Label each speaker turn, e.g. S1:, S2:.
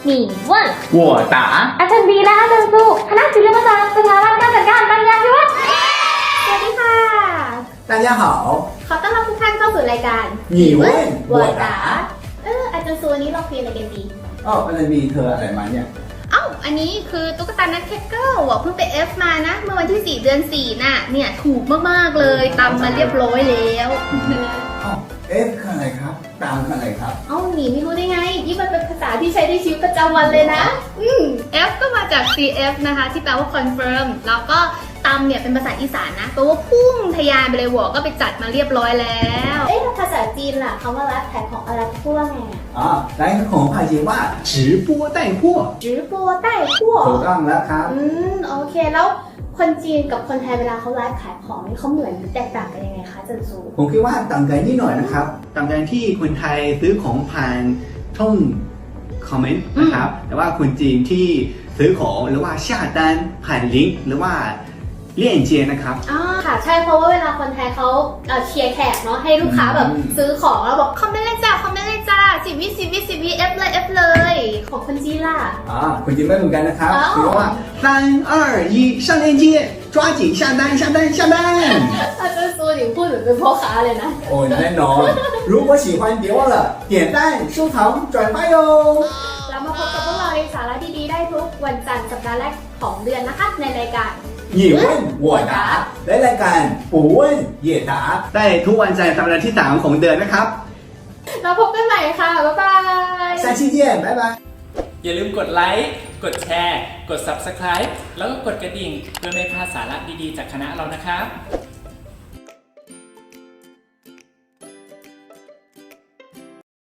S1: 你问
S2: 我答
S1: อาจารย์บีและอาจารย์สุคณะศิลปศาสตร์สถาบันการจัดการปัญญาพิวัตรสวัสดีค่ะ
S2: 大家好
S1: ขอต้อนรับทุกท่านเข้าสู่รายการ
S2: 你问我答
S1: อาจารย์สุวันนี้เราคุยอะไรกันดี
S2: อาจารย์บีเธออะไรมาเนี่ย
S1: อันนี้คือตุ๊กตานัทแคคเกิลเพิ่งไปเอฟมานะเมื่อวันที่ 4 เดือน 4 น่ะเนี่ยถูกมากๆเลยตำมาเรียบร้อยแล้ว
S2: เอฟคืออะไรครับตามคืออะไรครับ
S1: หนีไม่รู้ได้ไงนี่มันเป็นภาษาที่ใช้ในชีวิตประจำวันเลยนะF ก็มาจาก CF นะคะที่แปลว่า confirm แล้วก็ตำเนี่ยเป็นภาษาอีสานนะแปลว่าพุ่งทะยานไปเลยหัวก็ไปจัดมาเรียบร้อยแล้วแล้วภาษาจีนล่ะคำว่าร้านขายของอะไรพูดว่าไง
S2: ร้านของภาษีว่า直播带货
S1: 直播带货
S2: ถูกต้องแล้วครับ
S1: โอเคแล้วคนจีนกับคนไทยเวลาเขาไลฟ์ขายของนี่เขาเหมือนหรือแตกต่างกันยังไงคะจันซู
S2: ผมคิดว่าต่างกันนิดหน่อยนะครับต่างกันที่คนไทยซื้อของผ่านช่องคอมเมนต์นะครับแต่ว่าคนจีนที่ซื้อของหรือว่า下单ผ่านลิงก์หรือว่าเลี่ยนเจียนะครับ
S1: ค่ะใช่เพราะว่าเวลาคนไทยเขาเชียร์แขกเนาะให้ลูกค้าแบบซื้อของแล้วบอกคอมเมนต์เลยจ้าคอมเมนต์เลยจ้า10 วิ10 วิเอฟเลยของคนจีนล่ะ
S2: คนจีนไม่เหมือนกันนะครับคือว่า3 2 1上链接抓紧下单下单下单
S1: อาจารย์ซูหนิงพูดเหมือนเป็นพ่อค้าเลยนะ
S2: แน่นอน如果喜欢别忘了点赞收藏转发哟
S1: แล้วมาพบกับพวกเราในสาระดีๆได้ทุกวันจันทร์สัปดาห์แรกของเดือนนะคะในรายการ
S2: 你问我答และรายการ不问也答ได้ทุกวันจันทร์สัปดาห์ที่3ของเดือนนะครับ
S1: แล้วพบกันใหม่ค่ะบ๊ายบาย
S2: 下期见拜拜
S3: อย่าลืมกดไลค์กดแชร์กด Subscribe แล้วก็กดกระดิ่งเพื่อไม่พลาดสาระดีๆจากคณะเรานะครับ